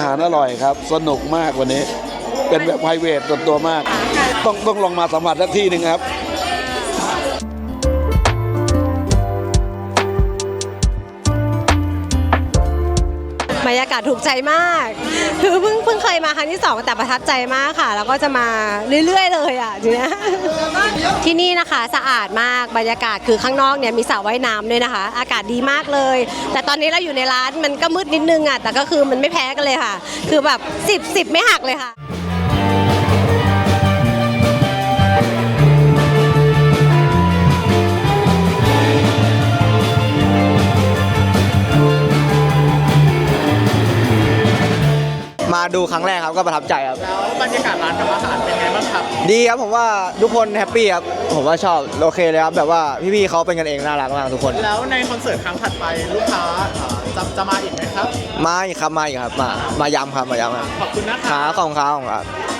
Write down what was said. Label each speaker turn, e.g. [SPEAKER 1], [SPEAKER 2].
[SPEAKER 1] ารอร่อยครับสนุกมากวันนี้เป็นแบบไพรเวทส่วนตัวมากต้องลองมาสัมผัสสักที่หนึ่งครับ
[SPEAKER 2] บรรยากาศถูกใจมากคือเพิ่งเคยมาครั้งที่2แต่ประทับใจมากค่ะแล้วก็จะมาเรื่อยๆเลยอ่ะทีเนี้ยที่นี่นะคะสะอาดมากบรรยากาศคือข้างนอกเนี่ยมีสระว่ายน้ำด้วยนะคะอากาศดีมากเลยแต่ตอนนี้เราอยู่ในร้านมันก็มืดนิดนึงอ่ะแต่ก็คือมันไม่แพ้กันเลยค่ะคือแบบ10ไม่หักเลยค่ะ
[SPEAKER 3] มาดูครั้งแรกครับก็ประทับใจครับ
[SPEAKER 4] แล้วบรรยากาศร้านกับอาหารเป็นไงบ้างครับ
[SPEAKER 3] ดีครับผมว่าทุกคนแฮปปี้ครับผมว่าชอบโอเคเลยครับแบบว่าพี่ๆเขาเป็นกันเองน่ารักมากทุกคน
[SPEAKER 4] แล้วในคอนเสิร์ตครั้งถัดไปลูกค้าจะมาอีกไหมครับ
[SPEAKER 3] มาอีกครับมาอีกครับมาย้ำครับมาย้ำครับ
[SPEAKER 4] ขอบคุณนะค
[SPEAKER 3] ขา
[SPEAKER 4] รับ
[SPEAKER 3] ของครับ